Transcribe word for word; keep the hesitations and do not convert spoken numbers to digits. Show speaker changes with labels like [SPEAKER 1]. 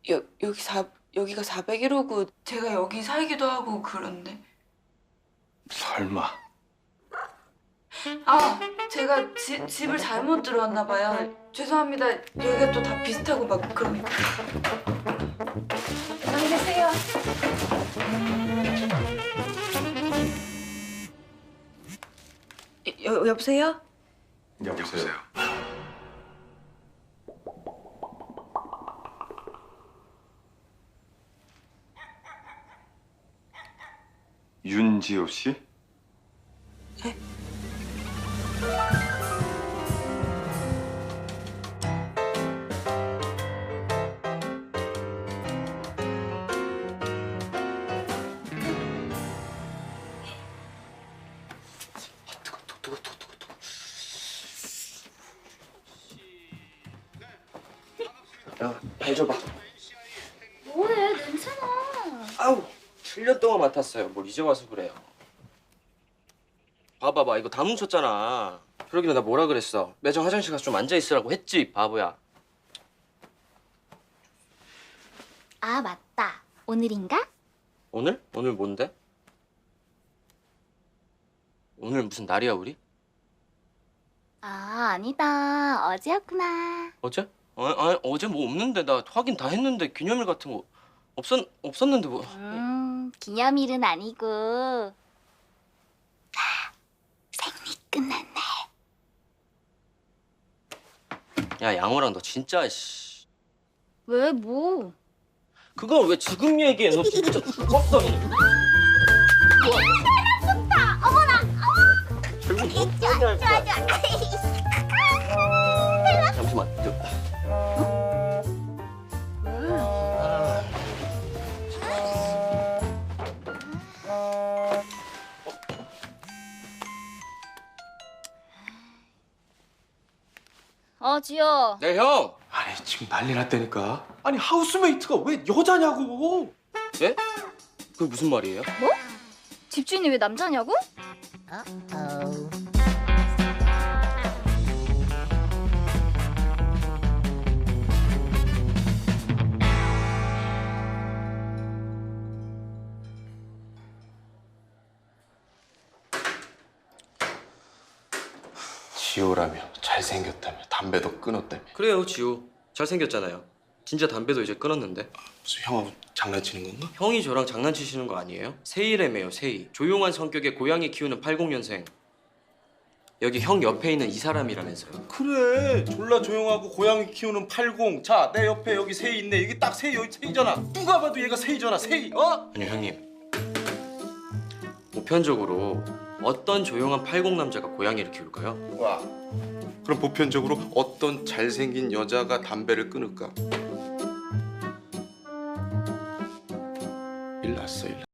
[SPEAKER 1] 여, 여기 사, 여기가 사백일 호고 제가 여기 살기도 하고 그런데.
[SPEAKER 2] 설마.
[SPEAKER 1] 아, 제가 지, 집을 잘못 들어왔나 봐요. 죄송합니다. 여기가 또 다 비슷하고 막 그러니까. 안녕히 계세요. 여, 여보세요?
[SPEAKER 2] 여보세요. 윤지호 씨?
[SPEAKER 1] 네?
[SPEAKER 3] 야, 발 줘봐.
[SPEAKER 4] 뭐해, 냄새나.
[SPEAKER 3] 아우, 칠 년 동안 맡았어요. 뭘 이제 와서 그래요. 봐봐봐, 이거 다 뭉쳤잖아. 그러길래 나 뭐라 그랬어? 매장 화장실 가서 좀 앉아있으라고 했지, 바보야.
[SPEAKER 4] 아, 맞다. 오늘인가?
[SPEAKER 3] 오늘? 오늘 뭔데? 오늘 무슨 날이야, 우리?
[SPEAKER 4] 아, 아니다. 어제였구나.
[SPEAKER 3] 어제? 아, 아, 어제 뭐 없는데. 나 확인 다 했는데 기념일 같은 거 없었, 없었는데 뭐.
[SPEAKER 4] 음, 기념일은 아니고. 아, 생리 끝난 날.
[SPEAKER 3] 야, 양호랑 너 진짜, 씨.
[SPEAKER 4] 왜, 뭐?
[SPEAKER 3] 그걸 왜 지금 얘기해? 너 진짜 죽었어.
[SPEAKER 4] 좋다. 어머나.
[SPEAKER 3] 결국 뭐
[SPEAKER 4] 좋아,
[SPEAKER 3] 할
[SPEAKER 4] 좋아,
[SPEAKER 3] 거야?
[SPEAKER 4] 좋아.
[SPEAKER 3] 잠시만. 저...
[SPEAKER 4] 어, 지효.
[SPEAKER 3] 네, 형.
[SPEAKER 2] 아니 지금 난리 났다니까. 아니 하우스메이트가 왜 여자냐고.
[SPEAKER 3] 예? 그게 무슨 말이에요?
[SPEAKER 4] 집주인이 왜 남자냐고?
[SPEAKER 2] 지호라며 잘생겼다며 담배도 끊었다며.
[SPEAKER 3] 그래요, 지호. 잘생겼잖아요. 진짜 담배도 이제 끊었는데.
[SPEAKER 2] 무슨 형하고 장난치는 건가?
[SPEAKER 3] 형이 저랑 장난치시는 거 아니에요? 세이래매요, 세이. 조용한 성격의 고양이 키우는 팔십 년생. 여기 형 옆에 있는 이 사람이라면서요.
[SPEAKER 2] 그래 졸라 조용하고 고양이 키우는 팔십. 자 내 옆에 여기 세이 있네. 여기 딱 세이. 여기 세이잖아. 누가 봐도 얘가 세이잖아. 세이. 어?
[SPEAKER 3] 아니, 형님. 보편적으로 어떤 조용한 팔십 남자가 고양이를 키울까요?
[SPEAKER 2] 와. 그럼 보편적으로 어떤 잘생긴 여자가 담배를 끊을까? 일났어 일.